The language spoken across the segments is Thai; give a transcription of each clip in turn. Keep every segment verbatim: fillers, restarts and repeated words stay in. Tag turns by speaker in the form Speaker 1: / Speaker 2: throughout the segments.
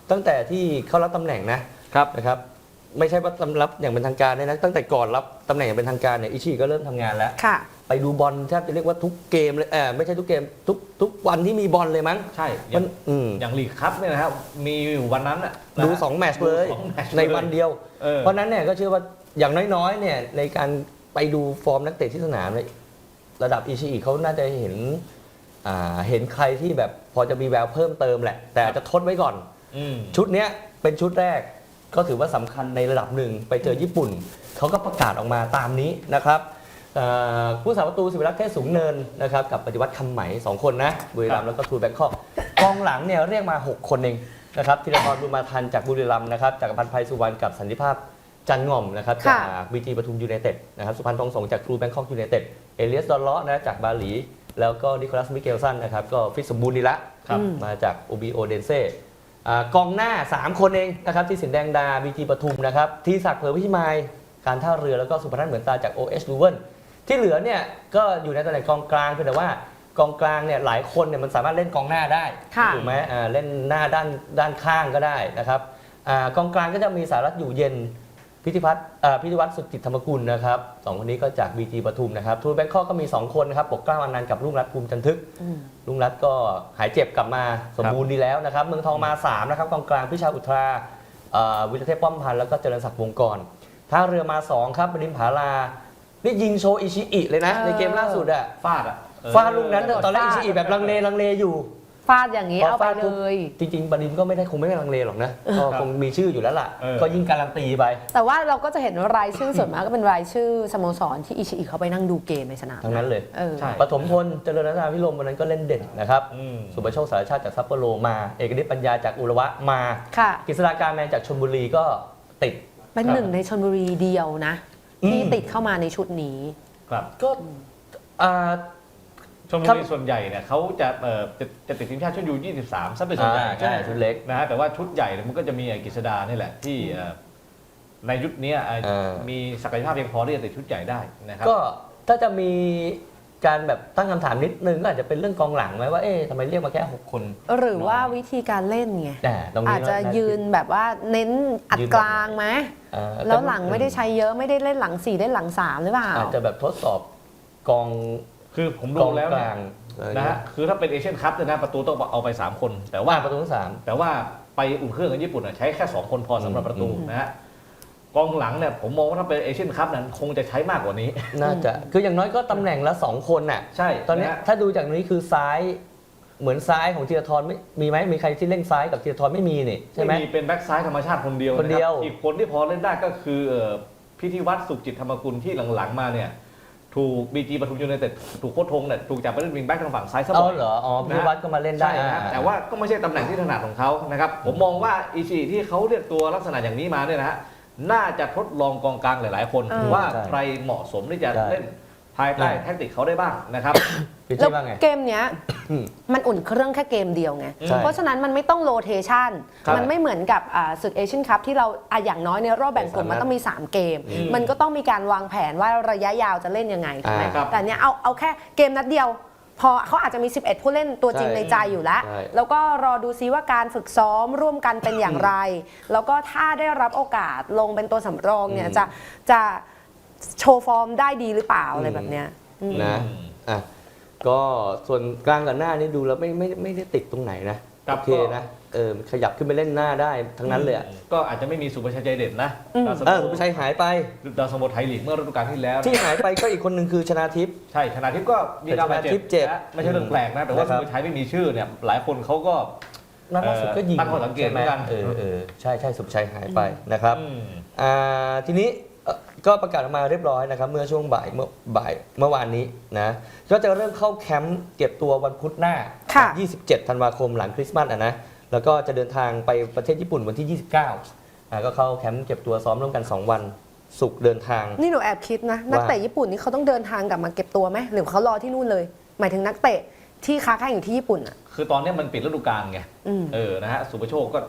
Speaker 1: ตั้งแต่ที่เขารับตำแหน่งนะครับนะครับไม่ใช่ว่ารับอย่างเป็นทางการนะตั้งแต่ก่อนรับตำแหน่งอย่างเป็นทางการเนี่ยอิชิก็เริ่มทำงานแล้วไปดูบอลแทบจะเรียกว่าทุกเกมเลยเออไม่ใช่ทุกเกมทุกทุกวันที่มีบอลเลยมั้ง
Speaker 2: ใช่อย่างอย่างลีกคัพเนี่ยนะครับมีอยู่วันนั้นอ่ะ
Speaker 1: ดูสองแมตช์เลยในวันเดียวเพราะนั้นเนี่ยก็เชื่อว่าอย่างน้อยๆเนี่ยในการไปดูฟอร์มนักเตะที่สนามเลยระดับอิชิเขาน่าจะเห็นเห็นใครที่แบบพอจะมีแววเพิ่มเติมแหละแต่จะทดไว้ก่อนชุดนี้เป็นชุดแรกก็ถือว่าสำคัญในระดับหนึ่งไปเจอญี่ปุ่นเขาก็ประกาศออกมาตามนี้นะครับผู้สาประตูศิวรักษ์เทศสูงเนินนะครับกับปฏิวัติคำไหมสองคนนะบุรีรัมย์แล้วก็ทูแบงคอกกองหลังเนี่ยเรียกมาหกคนเองนะครับธีรทรบุญมาทันจากบุรีรัมย์นะครับจากพันธ์ไพสุวรรณกับสันติภาพจันง่อมนะครับจากบีจีปทุมยูไนเต็ดนะครับสุพรรณทองสงจากทรูแบงคอกยูไนเต็ดเอเลียสดอลเลาะนะจากบาหลีแล้วก็นิโคลัสมิเกลสันนะครับก็ฟิตสมบูรณ์ดีละมาจากโอบีโอเดนเซ่กองหน้าสามคนเองนะครับที่สินแดงดาบีจีปทุมนะครับที่ศักดิ์เผยพิมายการท่าเรือแล้วก็สุพนัทเหมือนตาจาก โอ เอช ลูเวิลที่เหลือเนี่ยก็อยู่ในตำแหน่งกองกลางเพียงแต่ว่ากองกลางเนี่ยหลายคนเนี่ยมันสามารถเล่นกองหน้าได้ถูกไหมเล่นหน้าด้านด้านข้างก็ได้นะครับกองกลางก็จะมีสารัตน์อยู่เย็นพิธิพัฒน์พิธิวัฒน์สุจิตธรรมกุลนะครับสองคนนี้ก็จาก บี จี ปทุมนะครับทูแบงคอกก็มีสองคนนะครับปกเกล้าอนันต์กับรุ่งรัตน์ภูมิจันทึกรุ่งรัตน์ก็หายเจ็บกลับมาสมบูรณ์ดีแล้วนะครับเมืองทองมาสามนะครับกองกลางพิชาอุทราวิรเทพป้อมพันธ์แล้วก็เจริญศักดิ์วงศ์กรท่าเรือมาสองครับบดินผาลานี่ยิงโชอิชิอิเลยนะในเกมล่าสุดอะ
Speaker 2: ฟาดอะ
Speaker 1: ฟาดลูกนั้นตอนแรกอิชิอิแบบลังเลลังเลอยู่
Speaker 3: ฟาดอย่างนี้เอาไปเลย
Speaker 1: จริงๆบดินก็ไม่ได้คงไม่ได้ลังเลหรอกนะก็คงมีชื่ออยู่แล้วล่ะก็ยิ่งการันตีไป
Speaker 3: แต่ว่าเราก็จะเห็นรายชื่อส่วนมากก็เป็นรายชื่อสโมสรที่อิชิอิเขาไปนั่งดูเกมในสนาม
Speaker 1: ทั้งนั้นเลย
Speaker 3: ใช่
Speaker 1: ปฐมพลเจริญรัตนาพิรมวันนั้นก็เล่นเด่นนะครับสุประโชคสารชาติจากซัปโปโรมาเอกนิตปัญญาจากอุระวะมากฤษฎาการแมนจากชลบุรีก็ติด
Speaker 3: เป็นหนึ่งในชลบุรีเดียวนะที่ติดเข้ามาในชุดนี้
Speaker 2: ครับ
Speaker 1: ก็
Speaker 2: ชลบุรีส่วนใหญ่เนี่ยเขาจะจะจะติดทีมชาติชุดยูยี่สิบสามซะเป็นส่วนใหญ่
Speaker 1: ใช่ชุดเล็ก
Speaker 2: นะฮะแต่ว่าชุดใหญ่มันก็จะมีกฤษดานี่แหละที่ในยุคนี้มีศักยภาพเพียงพอที่จะติดชุดใหญ่ได้นะครับ
Speaker 1: ก็ถ้าจะมีการแบบตั้งคำถามนิดนึงก็อาจจะเป็นเรื่องกองหลังไหมว่าเอ๊ะทำไมเรียกมาแค่หกคน
Speaker 3: หรือว่าวิธีการเล่นไงอาจจะยืนแบบว่าเน้นอัดกลางไหมแล้วหลังไม่ได้ใช้เยอะไม่ได้เล่นหลังสี่ได้หลังสามหรือเปล่า
Speaker 1: อาจจะแบบทดสอบกอง
Speaker 2: คือผมดูแล้วเนี่ยนะฮะคือถ้าเป็นเอเชียนคัพเนี่ยนะประตูต้องเอาไปสามคนแต่ว่า
Speaker 1: ประตูทั้งสาม
Speaker 2: แต่ว่าไปอุ่นเครื่องกับญี่ปุ่นใช้แค่สองคนพอสำหรับประตูนะฮะกองหลังเนี่ยผมมองว่าถ้าเป็นเอเชียนคัพนั้นคงจะใช้มากกว่านี้
Speaker 1: น่าจะคืออย่างน้อยก็ตำแหน่งละสองคนน่ะ
Speaker 2: ใช่
Speaker 1: ตอนนี้ถ้าดูจากนี้คือซ้ายเหมือนซ้ายของธีรทรไม่มีไหมมีใครที่เล่นซ้ายกับธีรทรไม่มีนี่ใช่ไหม
Speaker 2: มีเป็นแบ็คซ้ายธรรมชาติคนเดียว
Speaker 1: คนเดียว
Speaker 2: อีกคนที่พอเล่นได้ก็คือพิธีวัฒน์สุขจิตธรรมกุลที่หลังๆมาเนี่ยถูกบีจีปทุมยูไนเต็ดถูกโค้ชทงเนี่ยถูกจับไปเล่นวิงแบ็กทางฝั่งซ้ายซะบ่อย
Speaker 1: เหรออ๋อพิธีวัฒน์ก็มาเล่นได้
Speaker 2: นะแต่ว่าก็ไม่ใช่ตำแหน่งที่ถนัดของเขานะครับผมมองว่าอิชิที่เขาเรียกตัวลักษณะอย่างนี้มาเนี่ยนะฮะน่าจะทดลองกองกลางหลายๆคนว่าใครเหมาะสมที่จะเล่นภายใต้แท็กติกเขาได้บ้างนะครับ
Speaker 3: แล้วเกมเนี้ยมันอุ่นเครื่องแค่เกมเดียวไงเพราะฉะนั้นมันไม่ต้องโรเทชันมันไม่เหมือนกับศึกเอเชียนคัพที่เราอย่างน้อยในรอบแบ่งกลุ่มมันต้องมีสามเกมมันก็ต้องมีการวางแผนว่าระยะยาวจะเล่นยังไงถูกไหมแต่เนี้ยเอาเอาแค่เกมนัดเดียวพอเขาอาจจะมีสิบเอ็ดผู้เล่นตัวจริงในใจอยู่แล้วแล้วก็รอดูซิว่าการฝึกซ้อมร่วมกันเป็นอย่างไรแล้วก็ถ้าได้รับโอกาสลงเป็นตัวสำรองเนี่ยจะจะโชว์ฟอร์มได้ดีหรือเปล่าอะไรแบบเนี้ย
Speaker 1: นะอ่ะก็ส่วนกลางกับหน้านี่ดูแล้วไม่ไม่ไม่ได้ติดตรงไหนนะโอเคนะเออขยับขึ้นไปเล่นหน้าได้ทั้งนั้นเลย
Speaker 2: ก็อาจจะไม่มีสุภชัยใจเด็ดนะ
Speaker 1: เออสุภชัยหายไป
Speaker 2: ดาวสโมไทยลีกเมื่อฤดูกาลที่แล้ว
Speaker 1: ที่หายไปก็อีกคนหนึ่งคือชนาทิพย์
Speaker 2: ใช่ชนาทิพย์ก็มีการบาดเจ็บไม่ใช่เรื่องแปลกนะแต่ว่าสุภชัยไม่มีชื่อเนี่ยหลายคนเขาก็
Speaker 1: ล่าสุดก็ยิง
Speaker 2: ตั้งข้อสังเกตเหมือนกัน
Speaker 1: เออเออใช่ใช่สุภชัยหายไปนะครับอ่าทีนี้ก็ประกาศออกมาเรียบร้อยนะครับเมื่อช่วงบ่ายเมื่อบ่ายเมื่อวานนี้นะก็จะเริ่มเข้าแคมป์เก็บตัววันพุธหน้ายี่สิบเจ็ดธันวาคมหลังคริสต์มาสอ่ะนะแล้วก็จะเดินทางไปประเทศญี่ปุ่นวันที่ยี่สิบเก้าอ่าก็เข้าแคมป์เก็บตัวซ้อมร่วมกันสองวันศุกร์เดินทาง
Speaker 3: นี่หนูแอบคิดนะนักเตะญี่ปุ่นนี่เขาต้องเดินทางกลับมาเก็บตัวไหมหรือเขารอที่นู่นเลยหมายถึงนักเตะที่ค้าแข่งอยู่ที่ญี่ปุ่นอ่ะ
Speaker 2: คือตอนนี้มันปิดฤดูกาลไงเออนะฮะสุภโชคก็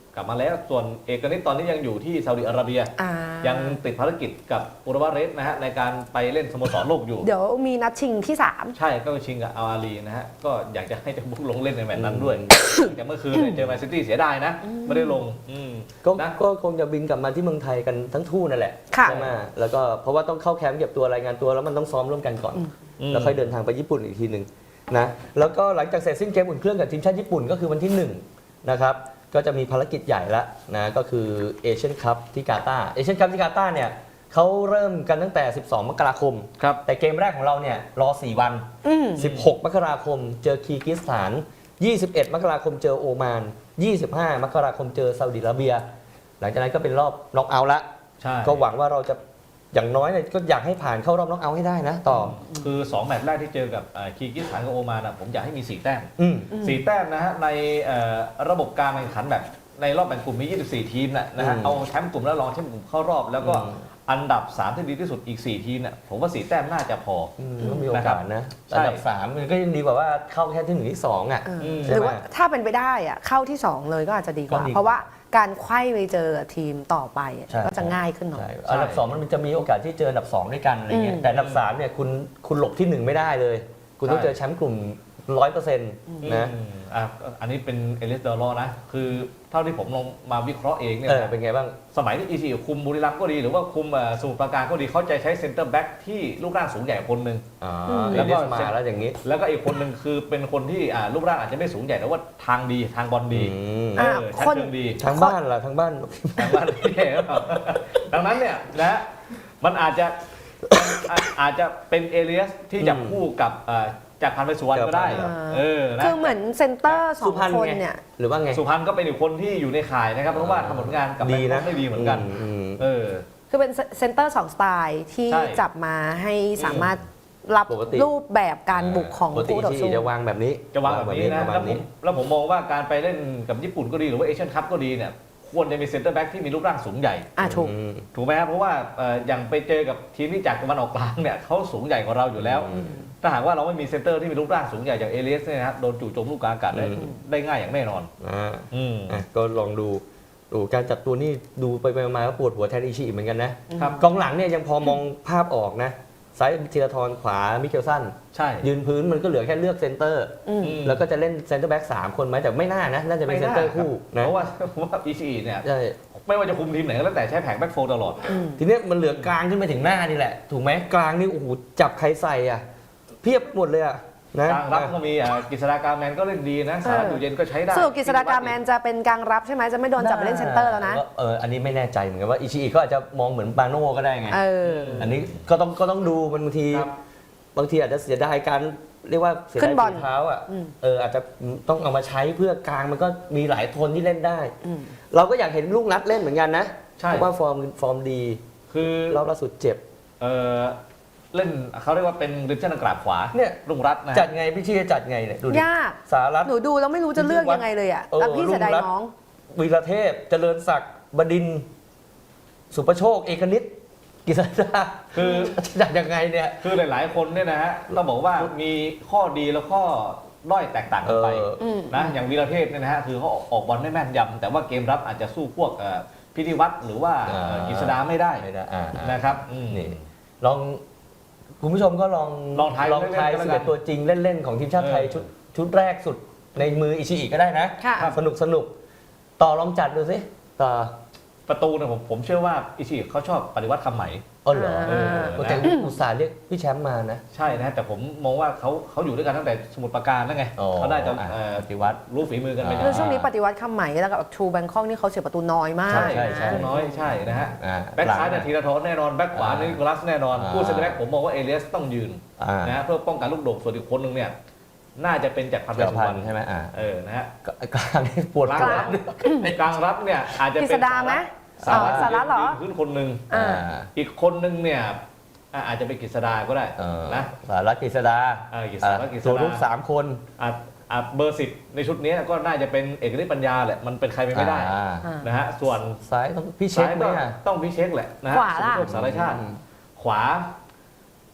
Speaker 2: กลับมาแล้วส่วนเอกนิตตอนนี้ยังอยู่ที่ซาอุดิอาระเบีย
Speaker 3: อ่า
Speaker 2: ยังติดภารกิจกับอุรวาเรสนะฮะในการไปเล่นสโมสรโลกอยู่
Speaker 3: เดี๋ยวมีนัดชิงที่สาม
Speaker 2: ใช่ก็ชิงกับอัลอาลีนะฮะก็อยากจะให้เจะบุกลงเล่นในแมตช์นั้นด้วยแต่เมื่อคืนเนี่ยเจอแมนซิตี้เสียดายนะไม่ได้ลงอืม
Speaker 1: ก็
Speaker 2: นะ
Speaker 1: ก็คงจะบินกลับมาที่เมืองไทยกันทั้งทู่นั่นแหละ
Speaker 3: ค่ะ
Speaker 1: ใช่ไหมแล้วก็เพราะว่าต้องเข้าแคมป์เก็บตัวรายงานตัวแล้วมันต้องซ้อมร่วมกันก่อน แล้วค่อยเดินทางไปญี่ปุ่นอีกทีหนึ่งนะแล้วก็หลังจากเสร็จสิ้นเกมอุ่นเครื่องกับทีมชาติญี่ปุ่นก็คือวันที่หนึ่งนะครับก็จะมีภารกิจใหญ่แล้วนะก็คือเอเชียนคัพที่กาตาร์เอเชียนคัพที่กาตาร์เนี่ยเขาเริ่มกันตั้งแต่ สิบสอง มกราคม
Speaker 2: ครับ
Speaker 1: แต่เกมแรกของเราเนี่ยรอ สี่ วัน
Speaker 3: อืม
Speaker 1: สิบหก มกราคมเจอคีร์กิสถาน ยี่สิบเอ็ด มกราคมเจอโอมาน ยี่สิบห้า มกราคมเจอซาอุดิอาระเบีย หลังจากนั้นก็เป็นรอบน็อกเอาท์ละ
Speaker 2: ใช่
Speaker 1: ก็หวังว่าเราจะอย่างน้อยเนี่ยก็อยากให้ผ่านเข้ารอบน็อกเอาท์ให้ได้นะต่อ
Speaker 2: คือสองแมตช์แรกที่เจอกับอ่าคีร์กิสถานกับโอมานอะผมอยากให้มีสี่แต้ม
Speaker 1: อืม
Speaker 2: สี่แต้มนะฮะในเอ่อระบบการแข่งขันแบบในรอบแบ่งกลุ่มมียี่สิบสี่ทีมนะนะฮะ
Speaker 1: อืม
Speaker 2: เอาแชมป์กลุ่มแล้วรองแชมป์กลุ่มเข้ารอบ แล้วก็
Speaker 1: อืม
Speaker 2: อันดับสามที่ดีที่สุดอีกสี่ทีมเนี่ยผมว่าสี่แต้มน่าจะพอ
Speaker 1: อืมก็มีโอกาสนะ
Speaker 2: ใช่
Speaker 1: อันดับสามมันก็ยังดีกว่าว่าเข้าแค่ที่หนึ่งที่สองอ่ะ
Speaker 3: เออ
Speaker 2: อืม
Speaker 3: หรือว่าถ้าเป็นไปได้อะเข้าที่สองเลยก็อาจจะดีกว่า
Speaker 1: ก็ดี
Speaker 3: เพราะว่าการไขว้ไปเจอทีมต่อไปอะ
Speaker 1: ใช่
Speaker 3: ก็จะง่ายขึ้นหน่อย
Speaker 1: ใช่อันดับสองมันจะมีโอกาสที่เจออันดับสองด้วยกันอะไรเงี้
Speaker 3: อื
Speaker 1: ย
Speaker 3: ม
Speaker 1: แต่อันดับสามเนี่ยคุณคุณหลบที่หนึ่งไม่ได้เลย คุณต้อง
Speaker 2: ใช่
Speaker 1: เจอแชมป์กลุ่มร้อยเปอร์เซ็นต์นะ
Speaker 2: อืมอ่ะอันนี้เป็นเอลิสเดอรอนะ คือเท่าที่ผมลองมาวิเคราะห์เองเนี่ย
Speaker 1: เออเป็นไงบ้าง
Speaker 2: สมัยที่อีซีคุมบุรีรัมย์ก็ดี หรือว่าคุมเอ่อสมุทรปราการก็ดีเขาจะใช้เซนเตอร์แบ็กที่รูปร่างสูงใหญ่คนหนึ่ง
Speaker 1: อ๋อ
Speaker 3: ม
Speaker 1: แล้วก็มาแล้วอย่างนี้
Speaker 2: แล้วก็อีกคนหนึ่งคือเป็นคนที่อ่ารูปร่างอาจจะไม่สูงใหญ่แต่ว่าทางดีทางบอลดี
Speaker 1: อืม
Speaker 2: เอ
Speaker 3: อ่ะ
Speaker 2: อชัด
Speaker 3: คน
Speaker 2: เชิงดี
Speaker 1: ทางบ้านล่ะทางบ้าน
Speaker 2: ทางบ้านพี่เอ๋ครับ ดังนั้นเนี่ยนะมันอาจจะอาอาจจะเป็นเอเลียสที่จะ
Speaker 1: อืม
Speaker 2: คู่กับเอ่อจากพันธุ์ไปสุวรรณก็ได้
Speaker 1: ครับ
Speaker 2: เออนะ
Speaker 3: คือเหมือนเซนเตอร์สอ
Speaker 1: สุ
Speaker 3: ง
Speaker 1: พรรณ
Speaker 3: คน
Speaker 1: ไง
Speaker 3: เนี่ย
Speaker 1: หรือว่าไง
Speaker 2: สุพรรณก็เป็นอีกคนที่อยู่ในข่ายนะครับ เพราะว่าทำผลงานกับแบง
Speaker 1: ดี
Speaker 2: คอ
Speaker 1: นะ
Speaker 2: กได้ดีเหมือนกัน
Speaker 1: อืม
Speaker 2: เออ
Speaker 3: คือเป็นเซนเตอร์สองสไตล์ที่
Speaker 2: ใช่
Speaker 3: จับมาให้สามารถรับ
Speaker 1: ปกติ
Speaker 3: รูปแบบการบุกของ
Speaker 1: ปกติ
Speaker 3: คู่ต่อ
Speaker 1: ที่
Speaker 3: สู้
Speaker 1: จะวางแบบนี้
Speaker 2: จะวางแบบนี้นะ
Speaker 1: ประมา
Speaker 2: แล้
Speaker 1: ณ
Speaker 2: วผม
Speaker 1: นี้
Speaker 2: แล้วผมมองว่าการไปเล่นกับญี่ปุ่นก็ดีหรือว่าเอเชียนคัพก็ดีเนี่ยควรจะมีเซนเตอร์แบ็กที่มีรูปร่างสูงใหญ่
Speaker 3: อ่ะถูก
Speaker 1: อืม
Speaker 2: ถูกไหมครับเพราะว่าเอ่ออย่างไปเจอกับทีมที่จากตะวันออกกลางเนี่ยเขาสูงใหญ่กว่าเราอยู่แล้ว
Speaker 1: อืม
Speaker 2: ถ้าหากว่าเราไม่มีเซนเตอร์ที่มีรูปร่างสูงใหญ่อย่างเอเลียสเนี่ยนะครับโดนจู่โจมลูกกลางอากาศได้
Speaker 1: อืม
Speaker 2: ได้ง่ายอย่างแน่นอน
Speaker 1: อ่า
Speaker 2: อืม
Speaker 1: อ่ะก็ลองดูดูการจัดตัวนี่ดูไปไปมาก็ปวดหัวแทนอิชิอีกเหมือนกันนะครับ กองหลังเนี่ยยังพอมองภาพออกนะซ้ายธีรทรขวามิเคลสัน
Speaker 2: ใช่
Speaker 1: ยืนพื้นมันก็เหลือแค่เลือกเซนเตอร์
Speaker 3: อืม
Speaker 2: อืม
Speaker 1: แล้วก็จะเล่นเซนเตอร์แบ็กสามคนไหมแต่ไม่น่านะ น่าจะเป็นเซนเตอร์คู่
Speaker 2: เพ
Speaker 1: นะ
Speaker 2: ราะว่าเพราะว่าอีซีเนี่ย
Speaker 1: ใช่
Speaker 2: ไม่ว่าจะคุมทีมไหนก็แล้วแต่ใช้แผงแบ็กโฟร์ตลอด
Speaker 3: อืม
Speaker 1: ทีเนี้ยมันเหลือกลางขึ้นไปถึงหน้านี่แหละ ถูกไหมกลางนี่โอ้โหจับใครใส่อ่ะ เพียบหมดเลยอ่ะนะ
Speaker 2: กลางรับก็มีอ่ากฤษฎากาแมนก็เล่นดีนะสารัตอยู่เย็นก็ใช้ได้
Speaker 3: สรุปกฤษฎากาแมนจะเป็นกลางรับใช่ไหมจะไม่โดนจับไปเล่นเซนเตอร์แล้วนะ
Speaker 1: เอออันนี้ไม่แน่ใจเหมือนกันว่าอิชิอิก็อาจจะมองเหมือนบาโน่ก็ได้ไง
Speaker 3: เออ
Speaker 1: อันนี้ก็ต้องก็ต้องดูมันบางที
Speaker 2: ครับ
Speaker 1: บางทีอาจจะเสียดายการเรียกว่าเสีย
Speaker 3: ขึ้
Speaker 1: ดาย
Speaker 3: นบอล
Speaker 1: ฝีเท้าอ่ะ
Speaker 3: อืม
Speaker 1: เอออาจจะต้องเอามาใช้เพื่อกลางมันก็มีหลายโทนที่เล่นได้
Speaker 3: อืม
Speaker 1: เราก็อยากเห็นลูกนัดเล่นเหมือนกันนะ
Speaker 2: ใช่
Speaker 1: เพราะว่าฟอร์มฟอร์มดี
Speaker 2: คือ
Speaker 1: รอบล่าสุดเจ็บ
Speaker 2: เออเล่นเขาเรียกว่าเป็นริมเส้นกราบขวา
Speaker 1: เนี่ย
Speaker 2: ลุงรัตน์นะ
Speaker 1: จัดไงพี่ชี้จะจัดไงเนี่ยดูดิ
Speaker 3: ยาก
Speaker 1: สารัต
Speaker 3: หนูดูแล้วไม่รู้จะเลือกยังไงเลยอ่ะ
Speaker 1: เออ
Speaker 3: แล้วพี่เสียดาย
Speaker 1: รุ่งรัตน์
Speaker 3: น้อง
Speaker 1: วีรเทพเจริญศักดิ์บดินทร์สุประโชค เอกนิตกิษดา
Speaker 2: คือ
Speaker 1: จะจัดยังไงเนี่ย
Speaker 2: คือหลาย ๆ คนเนี่ยนะฮะต้องบอกว่ามีข้อดีแล้วข้อด้อยแตกต่างกันไป
Speaker 1: เออ
Speaker 3: อืม
Speaker 2: นะอย่างวีรเทพเนี่ยนะฮะคือเขาออกบอลได้แม่นยำแต่ว่าเกมรับอาจจะสู้พวกเอ่อพิธีวัตรหรือว่า
Speaker 1: อ่า
Speaker 2: เอ่อกฤษดาไม่ได้
Speaker 1: ไม่ได้อ่าอ่า
Speaker 2: นะครับอืม
Speaker 1: นี่ลองคุณผู้ชมก็ลอง
Speaker 2: ลองทาย
Speaker 1: ลองทาย
Speaker 2: เล่นๆก็
Speaker 1: สิ
Speaker 2: แล้ว
Speaker 1: บ
Speaker 2: กัน
Speaker 1: เอ็ดตัวจริงเล่น ๆ ของทีมชาติไทย
Speaker 2: เออ
Speaker 1: ชุดชุดแรกสุดในมืออิชิอิก็ได้นะ
Speaker 3: ค่ะ
Speaker 1: สนุกสนุกต่อลองจัดดูสิต่อ
Speaker 2: ประตูเนี่ยผมผมเชื่อว่าอิชิเขาชอบปฏิวัติคำไหม
Speaker 1: อ๋อเหรอ
Speaker 3: เออ
Speaker 1: โอ้แต่อุตส่าห์เรียกพี่แชมป์มานะ
Speaker 2: ใช่นะแต่ผมมองว่าเขาเขาอยู่ด้วยกันตั้งแต่สมุทรปราการแล้วไง
Speaker 1: อ๋อ
Speaker 2: เขาน่าจะ
Speaker 1: อ่ะ
Speaker 2: เอ่อ
Speaker 1: ปฏิวัติ
Speaker 2: รู้ฝีมือกันไป
Speaker 1: อ่า
Speaker 3: คือช่วงนี้ปฏิวัติคำไหมแล้วกับทูแบงคอกนี่เขาเสียประตูน้อยมาก
Speaker 2: ใช่
Speaker 1: ใช่ใช่
Speaker 2: น้อยใช่นะฮะ
Speaker 1: อ่า
Speaker 2: แบ็คซ้ายเนี่ยธีรทรแน่นอนแบ็คขวา
Speaker 1: อ่า
Speaker 2: นิโคลัสแน่นอน
Speaker 1: อ่า
Speaker 2: ผู้เซนเตอร์แบ็คผมมองว่าเอเลียสต้องยืน
Speaker 1: อ่า
Speaker 2: นะฮะเพื่อป้องกันลูกโด่งส่วนอีกคนหนึงเนี่ยน่าจะเป็นจากพันธุ์
Speaker 1: จักร
Speaker 2: สุ
Speaker 1: พั
Speaker 2: วร
Speaker 1: น
Speaker 2: รณ
Speaker 1: ธ์ใช่ไหมอ่า
Speaker 2: เออนะฮะ
Speaker 1: ก็กลางนี่ปวด
Speaker 2: กลาง
Speaker 1: หัว
Speaker 2: รับกลางรับเนี่ยอาจจะ
Speaker 3: กฤ
Speaker 2: เป็
Speaker 3: ษ
Speaker 2: น
Speaker 3: ดาไหม
Speaker 2: สา
Speaker 3: อ๋อ
Speaker 2: รัต
Speaker 3: สารัตเหรอ
Speaker 2: ยืนขึ้นคนหนึ่ง
Speaker 3: อ่า
Speaker 2: อีกคนหนึ่งเนี่ยอ่ะอาจจะเป็นกฤษดาก็ได้
Speaker 1: เออ
Speaker 2: นะ
Speaker 1: สารัตกฤษดา
Speaker 2: เออกฤษดาก็กฤษ
Speaker 1: ตัว
Speaker 2: ดา
Speaker 1: ลูกสามคน
Speaker 2: อ่ะอ่ะเบอร์สิบในชุดนี้ก็น่าจะเป็นเอกฤทธิ์ปัญญาแหละมันเป็นใครไปไม่ได้
Speaker 1: อ่า
Speaker 3: อ่า
Speaker 2: นะฮะส่วน
Speaker 1: ซ้ายต้องพี่เช็ค
Speaker 2: ซ้าย
Speaker 1: ไหม
Speaker 2: ก็
Speaker 1: อ่ะ
Speaker 2: ต้องพิเช็คแหละนะฮะ
Speaker 3: ขวาล่ะ
Speaker 2: สุภโชคสารชาติ
Speaker 1: อืม
Speaker 2: ขวา ข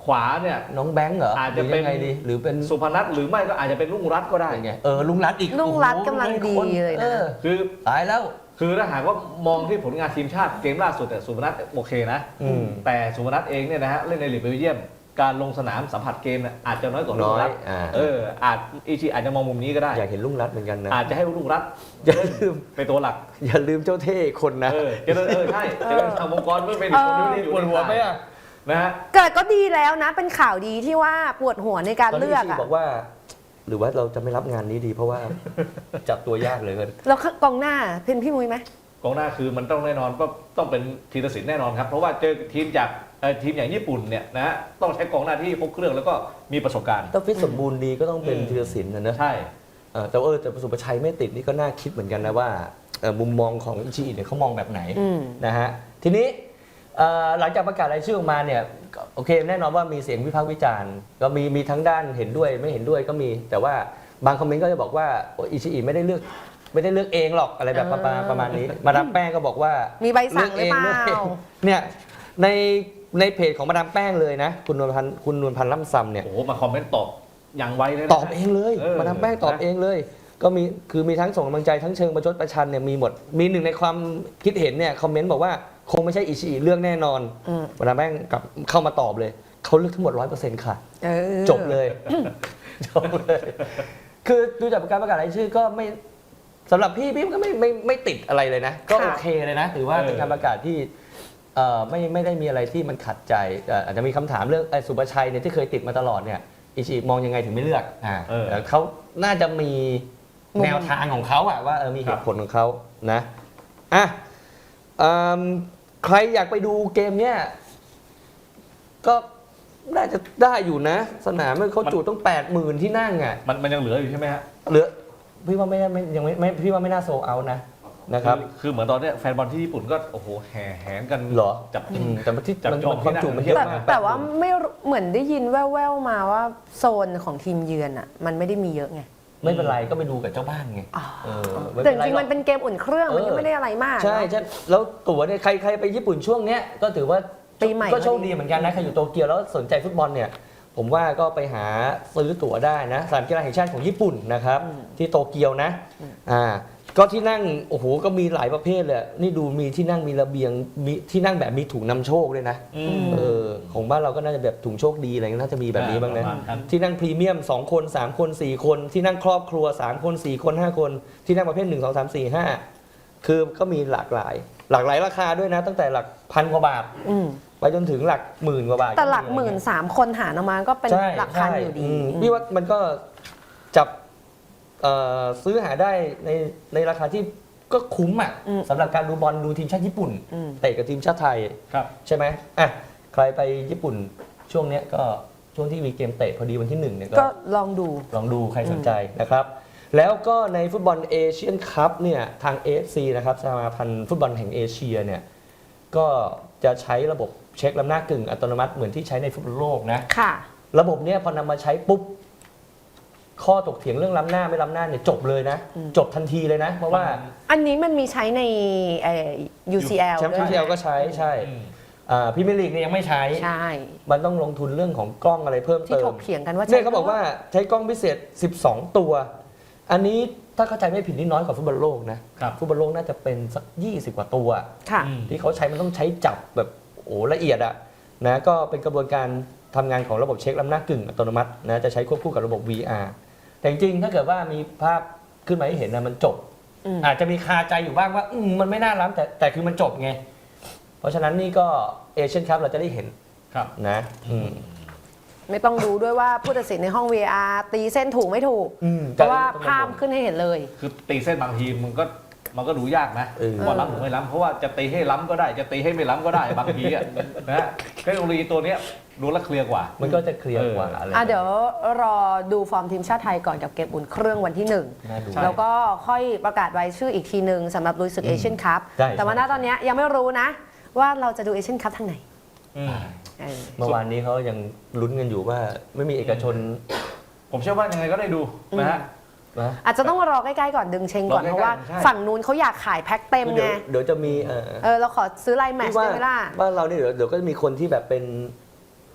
Speaker 2: ขวาเนี่ย
Speaker 1: น้องแบงค์เหรอ
Speaker 2: อาจ
Speaker 1: ห
Speaker 2: จะ
Speaker 1: รือ
Speaker 2: เป็น
Speaker 1: ยังไงดีหรือเป็น
Speaker 2: สุพนัทหรือไม่ก็อาจจะเป็นลุงรัตน์ก็ได้
Speaker 1: เป็นไงเออลุงรัตน์อีก
Speaker 3: ลุงรัตน์
Speaker 1: โอ้โห
Speaker 3: กำลังดี
Speaker 1: คน
Speaker 3: เลยนะ
Speaker 1: ออ
Speaker 2: คือ
Speaker 1: ตายแล้ว
Speaker 2: คือถ้าหากว่ามองที่ผลงานทีมชาติเกมล่าสุดแต่ยสุพนัทโอเคนะ
Speaker 1: อืม
Speaker 2: แต่สุพนัทเองเนี่ยนะฮะเล่นในลีกเบลเยียมการลงสนามสัมผัสเกมเนี่ยอาจจะน้อยกว่าลุ
Speaker 1: น้
Speaker 2: ง
Speaker 1: อย
Speaker 2: รัตน์
Speaker 1: อ่า
Speaker 2: เอออาจอิชิอาจจะมองมุมนี้ก็ได้
Speaker 1: อยากเห็นลุงรัตน์เหมือนกันนะ
Speaker 2: อาจจะให้ลุงรัตน์
Speaker 1: อย่าลืม
Speaker 2: เป็นตัวหลัก
Speaker 1: อย่าลืมเจ้าเท่คนนะ
Speaker 2: เออเจริญเออใช่เจริญทางวงกรเมื่อเป็นคนที่อยู่
Speaker 1: ปวดหัวไหมอ่ะ
Speaker 2: นะฮะ
Speaker 3: เกิดก็ดีแล้วนะ เป็นข่าวดีที่ว่าปวดหัวในการ
Speaker 1: ตอน
Speaker 3: เลื
Speaker 1: นี้
Speaker 3: อก
Speaker 1: ชี
Speaker 3: อะ
Speaker 1: บอกว่า หรือว่าเราจะไม่รับงานนี้ดี เพราะว่า จับตัวยากเหลยเกิน
Speaker 3: แล้วกองหน้าเป็นพี่มุ้ยไหม
Speaker 2: กองหน้าคือมันต้องแน่นอนก็ต้องเป็นธีรศิลป์แน่นอนครับเพราะว่าเจอทีมจากเอ่อทีมอย่างญี่ปุ่นเนี่ยนะฮะต้องใช้กองหน้าที่ครบเครื่องแล้วก็มีประสบการณ์
Speaker 1: ถ้าฟิตสมบูรณ์ดีก็ต้องเป็น
Speaker 2: อืม
Speaker 1: ธีรศิลป์นะเนอะ
Speaker 2: ใช่
Speaker 1: เออแต่ว่าเออแต่สุประชัยไม่ติดนี่ก็น่าคิดเหมือนกันนะว่าเอ่อมุมมองของอิชิอิเนี่ยเขามองแบบไหน
Speaker 3: อืม
Speaker 1: นะฮะทีนี้เอ่อหลังจากประกาศรายชื่อออกมาเนี่ยก็โอเคแน่นอนว่ามีเสียงวิพากษ์วิจารณ์ก็มีมีทั้งด้านเห็นด้วยไม่เห็นด้วยก็มี แต่ว่าบางคอมเมนต์ก็จะบอกว่าโอ้อิชิอิไม่ได้เลือกไม่ได้เลือกเองหรอกอะไรแบบประมาณประมาณนี้ มาดามแป้งก็บอกว่า
Speaker 3: มีใบสั่งหรือเปล่า
Speaker 1: ลืกงลืกงเนี่ยในในเพจของมาดามแป้งเลยนะคุณนวลพันธ์คุณนวลพันธ์ล่ำซำเนี่ย
Speaker 2: โอ้โหมาคอมเมนต์ตอบอย่างไวเลยนะ
Speaker 1: ตอบเองเลย
Speaker 2: เออ
Speaker 1: มาดามแป้งตอบ
Speaker 2: นะ
Speaker 1: เองเลย ก็มีคือมีทั้งส่งกำลังใจทั้งเชิงประชดประชันเนี่ยมีหมดมีหนึ่งในความคิดเห็นเนี่ยคอมเมนต์บอกว่าคงไม่ใช่อิชิอิเลือกแน่นอน
Speaker 3: อืม
Speaker 1: มาดามแป้งกลับเข้ามาตอบเลยเขาเลือกทั้งหมดร้อยเปอร์เซ็นต์ค่ะ
Speaker 3: เออ
Speaker 1: จบเลย จบเลย คือดูจากการประกาศรายชื่อก็ไม่สำหรับพี่พี่ก็ไม่ไม่ไม่ติดอะไรเลยนะ ก็
Speaker 3: ค่ะ
Speaker 1: โอเคเลยนะถือว่า
Speaker 2: เออ
Speaker 1: เป็นการประกาศที่เอ่อไม่ไม่ได้มีอะไรที่มันขัดใจเอ่ออาจจะมีคำถามเรื่องไอ้สุภชัยเนี่ยที่เคยติดมาตลอดเนี่ยอิชิมองยังไงถึงไม่เลือกอ่า
Speaker 2: เออ
Speaker 1: แต่เขาน่าจะมี
Speaker 3: มุม
Speaker 1: แนวทางของเขาอะว่าเออมีเห
Speaker 2: ครับ
Speaker 1: ตุผลของเขานะอ่ะเอิ่มใครอยากไปดูเกมเนี้ยก็น่าจะได้อยู่นะ สนามมันเขาจุต้องแปดหมื่นที่นั่งอ่ะ
Speaker 2: มันมันยังเหลืออยู่ใช่ไหมฮะ
Speaker 1: เหลือพี่ว่าไม่ไม่ยังไม่ไม่พี่ว่าไม่น่าโซเอานะนะครับ
Speaker 2: อคือเหมือนตอนเนี้ยแฟนบอลที่ญี่ปุ่นก็โอ้โหแห่แหนกัน
Speaker 1: เหรอ
Speaker 2: จับ
Speaker 1: อืมแต่ที่
Speaker 2: จับ
Speaker 1: มัน
Speaker 2: จอง
Speaker 1: ความจุมันเยอะ
Speaker 3: แต่
Speaker 1: มาก
Speaker 3: แต่ว่าไม่รู้เหมือนได้ยินแว่วๆมาว่าโซนของทีมเยือนอ่ะ มันไม่ได้มีเยอะไง
Speaker 1: ไม่เป็นไรก็ไปดูกับเจ้าบ้านไง
Speaker 3: อ๋อ
Speaker 1: เออไม่
Speaker 3: แต่
Speaker 1: เป็น
Speaker 3: จ
Speaker 1: ไร
Speaker 3: ริง
Speaker 1: ห
Speaker 3: ๆ
Speaker 1: ร
Speaker 3: มั
Speaker 1: อก
Speaker 3: นเป็นเกมอุ่นเครื่องมันก็
Speaker 1: เออ
Speaker 3: ไม่ได้อะไรมาก
Speaker 1: ใช่
Speaker 3: เนอะ
Speaker 1: ใช่แล้วตั๋วเนี่ยใครใครไปญี่ปุ่นช่วงเนี้ยก็ถือว่า
Speaker 3: ปีใหม่
Speaker 1: ก็โชคดีเหมือนกันนะใครอยู่โตเกียวแล้วสนใจฟุตบอลเนี่ย ผมว่าก็ไปหาซื้อตั๋วได้นะสนามกีฬาแห่งชาติของญี่ปุ่นนะครับ ที่โตเกียวนะอ่าก็ที่นั่งโอ้โหก็มีหลายประเภทเลยนี่ดูมีที่นั่งมีระเบียงมีที่นั่งแบบมีถุงนำโชคด้วยนะ
Speaker 2: อืม
Speaker 1: เออของบ้านเราก็น่าจะแบบถุงโชคดีอะไรเงี้ยน่าจะมีแบบนี้บ้างนะ
Speaker 2: ประมาณนั้น
Speaker 1: ที่นั่งพรีเมียมสองคนสามคนสี่คน ที่นั่งครอบครัวสามคนสี่คนห้าคน ที่นั่งประเภทหนึ่ง สอง สาม สี่ ห้าคือก็มีหลากหลาย หลากหลายราคาด้วยนะ ตั้งแต่หลักพันกว่าบาท
Speaker 3: อืม
Speaker 1: ไปจนถึงหลักหมื่นกว่าบาท
Speaker 3: แต่หลักหมื่นสามคนหารออกมาก็เป็น
Speaker 1: ใช่
Speaker 3: หลักพัน
Speaker 1: ใช่
Speaker 3: อยู่ดี
Speaker 1: ม
Speaker 3: อืม
Speaker 1: พี่ว่ามันก็จับเอ่อซื้อหาได้ในในราคาที่ก็คุ้มอ่ะ
Speaker 3: อืม
Speaker 1: สำหรับการดูบอลดูทีมชาติญี่ปุ่น
Speaker 3: อืม
Speaker 1: เตะกับทีมชาติไทย
Speaker 2: ครับ
Speaker 1: ใช่ไหมอ่ะใครไปญี่ปุ่นช่วงเนี้ยก็ช่วงที่มีเกมเตะพอดีวันที่หนึ่งเนี่ย
Speaker 3: ก็
Speaker 1: ก็
Speaker 3: ลองดู
Speaker 1: ลองดูใครสนใจนะครับ แล้วก็ในฟุตบอลเอเชียนคัพเนี่ยทาง เอ เอฟ ซี นะครับสมาพันธ์ฟุตบอลแห่งเอเชียเนี่ยก็จะใช้ระบบเช็คล้ำหน้ากึ่งอัตโนมัติเหมือนที่ใช้ในฟุตบอลโลกนะ
Speaker 3: ค่ะ
Speaker 1: ระบบเนี้ยพอนำมาใช้ปุ๊บ ข้อตกเถียงเรื่องล้ำหน้าไม่ล้ำหน้าเนี่ยจบเลยนะ
Speaker 3: อืม
Speaker 1: จบทันทีเลยนะ เพราะว่า
Speaker 3: อันนี้มันมีใช้ในเอ่อ ยู ซี แอล
Speaker 1: แชมป์
Speaker 3: ด้
Speaker 1: ที
Speaker 3: วย
Speaker 1: เอลก็ใช้ใช่
Speaker 2: อืม
Speaker 1: อ่าพรีเมียร์ลีกเนี่ยยังไม่ใช้
Speaker 3: ใช่
Speaker 1: มันต้องลงทุนเรื่องของกล้องอะไรเพิ่ม
Speaker 3: ที่
Speaker 1: เติ
Speaker 3: ถ
Speaker 1: ม
Speaker 3: กเถียงกันว่า
Speaker 1: เนี่ยเขาบอกว่าใช้กล้องพิเศษ สิบสอง ตัว อันนี้ถ้าเข้าใจไม่ผิดนี่น้อยกว่าฟุตบอลโลกนะครับ ฟุตบอลโลกน่าจะเป็นสักยี่สิบกว่าตัว
Speaker 3: ค่ะ
Speaker 2: อืม
Speaker 1: ที่เขาใช้มันต้องใช้จับแบบโอ้ละเอียดอะนะก็เป็นกระบวนการทำงานของระบบเช็คล้ำหน้ากึ่งอัตโนมัตินะจะใช้ควบคู่กับระบบ วี อาร์ แต่จริงๆถ้าเกิดว่ามีภาพขึ้นมาให้เห็นนะมันจบ
Speaker 3: อืม
Speaker 1: อาจจะมีคาใจอยู่บ้างว่าอืมมันไม่น่าล้ำแต่แต่คือมันจบไง เพราะฉะนั้นนี่ก็เอเชียนคัพเราจะได้เห็น
Speaker 2: ครับ
Speaker 1: นะอืม
Speaker 3: ไม่ต้องดูด้วยว่าผู้ตัดสินในห้อง วี อาร์ ตีเส้นถูกไม่ถูก
Speaker 1: อืม
Speaker 3: เพราะว่าภาพขึ้นให้เห็นเลย
Speaker 2: คือตีเส้นบางทีมันก็มันก็ดูยากนะ
Speaker 1: เออ
Speaker 2: ว่าล้ำหรือไม่ล้ำเพราะว่าจะตีให้ล้ำก็ได้จะตีให้ไม่ล้ำก็ได้บางทีอะนะฮะเทคโนโลยีตัวเนี้ยดูแลวเคลียร์กว่า
Speaker 1: มันก็จะเคลียร์กว่า
Speaker 2: เอออ
Speaker 1: อะไร
Speaker 3: อ่ะเดี๋ยวรอดูฟอร์มทีมชาติไทยก่อนกับเกมอุ่นเครื่องวันที่หนึ่ง
Speaker 1: น่าดู
Speaker 2: ใช่
Speaker 3: แล้วก็ค่อยประกาศรายชื่ออีกทีหนึ่งสำหรับลุยศึก
Speaker 1: อืม
Speaker 3: เอเชียนคัพ
Speaker 1: ใช่
Speaker 3: แต่ว่าณ
Speaker 1: ใช่
Speaker 3: ตอนเนี้ยยังไม่รู้นะ ว่าเราจะดูเอเชียนคัพทางไหน
Speaker 2: อืม
Speaker 3: เออ
Speaker 1: เมื่อวานนี้เขายังลุ้นกันอยู่ว่าไม่มีเอกชน
Speaker 2: ผมเชื่อว่ายังไงก็ได้ดูนะฮะ
Speaker 1: นะ
Speaker 3: อาจจะต้องรอใกล้ๆก่อนดึงเชงก่อน
Speaker 2: รอใกล้ๆ
Speaker 3: เพราะว่า
Speaker 2: ใช่
Speaker 3: ฝั่งนู้นเขาอยากขายแพ็คเต็ม
Speaker 1: เดี๋
Speaker 3: ไง
Speaker 1: ยวเดี๋ยวจะมีเออ
Speaker 3: เออเราขอซื้อไลน์แมตช์
Speaker 1: ว่า
Speaker 3: ได้ไหมล่ะ
Speaker 1: บ้านเราเนี่ยเดี๋ยวเดี๋ยวก็จะมีคนที่แบบเป็น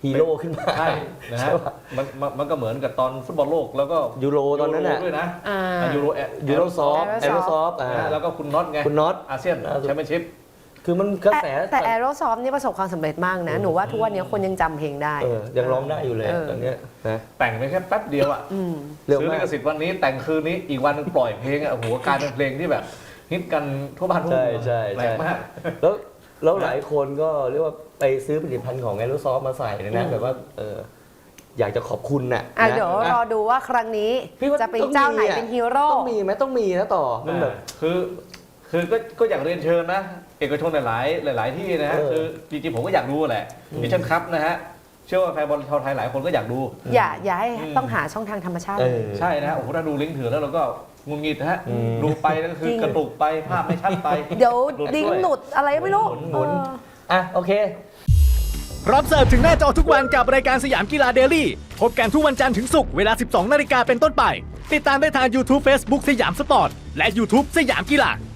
Speaker 1: ฮีโร่ขึ้นมา
Speaker 2: ใช่นะฮะ
Speaker 1: ใช่ปะ
Speaker 2: มันมันมันก็เหมือนกับตอนฟุตบอลโลกแล้วก็
Speaker 1: ยูโรตอนนั้นน่ะ
Speaker 2: ยูโรด้วยนะ
Speaker 3: อ่า
Speaker 2: อ่ะยูโรแอ
Speaker 1: ยูโรซอฟ
Speaker 3: Aerosoft
Speaker 1: แอโรซอฟอ่า
Speaker 2: นะฮะแล้วก็คุณน็อตไง
Speaker 1: คุณน็อต
Speaker 2: อาเซียน
Speaker 1: ล่าสุด
Speaker 2: แชมเปี้ยนชิพ
Speaker 1: คือมันกระแส
Speaker 3: แต่แต่ Aerosoft นี่ประสบความสำเร็จมากนะ หนูว่าทุกวันนี้คนยังจำเพลงได้
Speaker 1: เออยังร้องได้อยู่เลย
Speaker 3: เออ
Speaker 1: ตอนเนี้ยนะ
Speaker 2: แต่งไปแค่แป๊บเดียวอ่ะ
Speaker 3: อืม
Speaker 1: เร็ว
Speaker 2: ซื้อ
Speaker 1: มา
Speaker 2: ลิ
Speaker 1: ก
Speaker 2: ขสิทธิ์วันนี้แต่งคืนนี้อีกวันหนึงปล่อยเพลงอ่ะโอ้โหกลายเป็นเพลงที่แบบฮิตกันทั่วบ้านทั่ว
Speaker 1: ใช่
Speaker 2: เมือง
Speaker 1: ใช่
Speaker 2: แปล
Speaker 1: ใช่
Speaker 2: กมาก
Speaker 1: แล้วแล้วหลายคนก็เรียกว่าไปซื้อผลิตภัณฑ์ของแอโรซอฟมาใส่นะนะแบบว่าเอออยากจะขอบคุณน่ะ
Speaker 3: อ่ะ
Speaker 1: นะ
Speaker 3: เดี๋ยว
Speaker 1: นะ
Speaker 3: รอดูว่าครั้งนี้
Speaker 1: พี่ว่า
Speaker 3: จะเป็น
Speaker 1: ต้อง
Speaker 3: เจ้าไหน
Speaker 1: มีอะ
Speaker 3: เป็นฮีโร่
Speaker 1: ต้องมีไหมต้องมีนะต่อมันแบบ
Speaker 2: คือคือก็ก็อยากเรียนเชิญนะ เอกชนหลายๆหลาย ๆ ที่นะฮะ
Speaker 1: เออ
Speaker 2: คือจริงๆผมก็อยากดูแหละดิชั่นคัพนะฮะเชื่อว่าแฟนบอลชาวไทยหลายคนก็อยากดู
Speaker 3: อย่าอย่าให้
Speaker 2: อืม
Speaker 3: ต้องหาช่องทางธรรมชาติ
Speaker 1: เอ
Speaker 3: เลย
Speaker 1: อ
Speaker 2: ใช่นะฮะโอ้โหถ้าดูลิงก์ถือแล้วเราก็งุนงิดนะฮะ
Speaker 1: อืม
Speaker 2: ดูไปแล้วก็คื
Speaker 3: จ
Speaker 2: อ
Speaker 3: ริง
Speaker 2: กระตุกไปภาพไม่ชัดไป
Speaker 3: เดี๋ยว
Speaker 2: หลุด
Speaker 3: ดิ้ง
Speaker 2: ด้วย
Speaker 3: หลุดอะไรไม่รู้
Speaker 1: หมุนหมุน
Speaker 3: เออ
Speaker 1: อ่ะโอเค
Speaker 4: พร้อมเสิร์ฟถึงหน้าจอทุกวันกับรายการสยามกีฬาเดลี่พบกันทุกวันจันทร์ถึงศุกร์เวลา สิบสองนาฬิกาเป็นต้นไป ติดตามได้ทาง YouTube Facebook สยามสปอร์ต และ YouTube สยามกีฬา